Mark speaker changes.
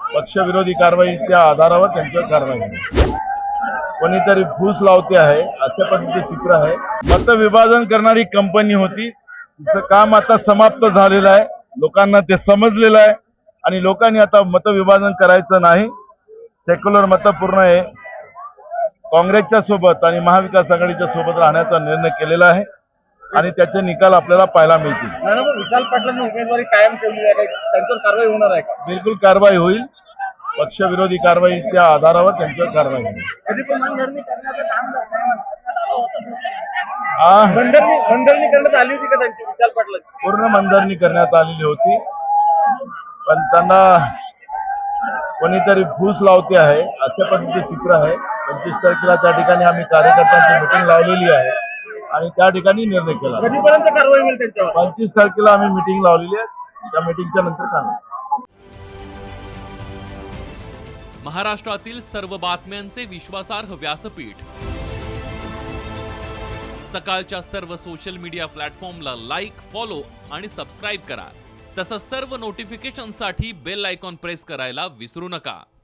Speaker 1: पक्षविरोधी कारवाईच्या आधारावर त्यांच्यावर कारवाई होईल. कोणीतरी फूस लावते आहे अशा पद्धतीचे चित्र आहे. मतविभाजन करणारी कंपनी होती, तिचं काम आता समाप्त झालेलं आहे. लोकांना ते समजलेलं आहे आणि लोकांनी आता मतविभाजन करायचं नाही. सेक्युलर मतं पूर्ण आहे काँग्रेसच्या सोबत आणि महाविकास आघाडीच्या सोबत राहण्याचा निर्णय केलेला आहे आणि त्याचे निकाल आपल्याला पाहायला मिळतील.
Speaker 2: विशाल पाटलांनी उमेदवारी कायम ठेवली आहे, त्यांच्यावर कारवाई होणार आहे का?
Speaker 1: बिलकुल कारवाई होईल. पक्षविरोधी कारवाईच्या आधारावर त्यांच्यावर कारवाई होईल.
Speaker 2: कधी पण मनधरणी करण्याचं काम मनधरणी करण्यात आली होती का त्यांची विशाल पाटलांची?
Speaker 1: पूर्ण मनधरणी करण्यात आलेली होती, पण त्यांना कोणीतरी फूस लावते आहे अशा पद्धतीचे चित्र आहे. 25 तारखेला त्या ठिकाणी आम्ही कार्यकर्त्यांची मिटिंग लावलेली आहे आणि त्या ठिकाणी निर्णय केला.
Speaker 2: कधीपर्यंत कारवाई होईल त्यांच्यावर?
Speaker 1: 25 तारखेला आम्ही मिटिंग लावलेली आहे. त्या मिटिंगच्या नंतर काय
Speaker 3: महाराष्ट्रातील सर्व बातम्यांचे विश्वासार्ह व्यासपीठ, सकाळच्या सर्व सोशल मीडिया प्लॅटफॉर्मला लाईक, फॉलो आणि सबस्क्राईब करा. तसंच सर्व नोटिफिकेशनसाठी बेल आयकॉन प्रेस करायला विसरू नका.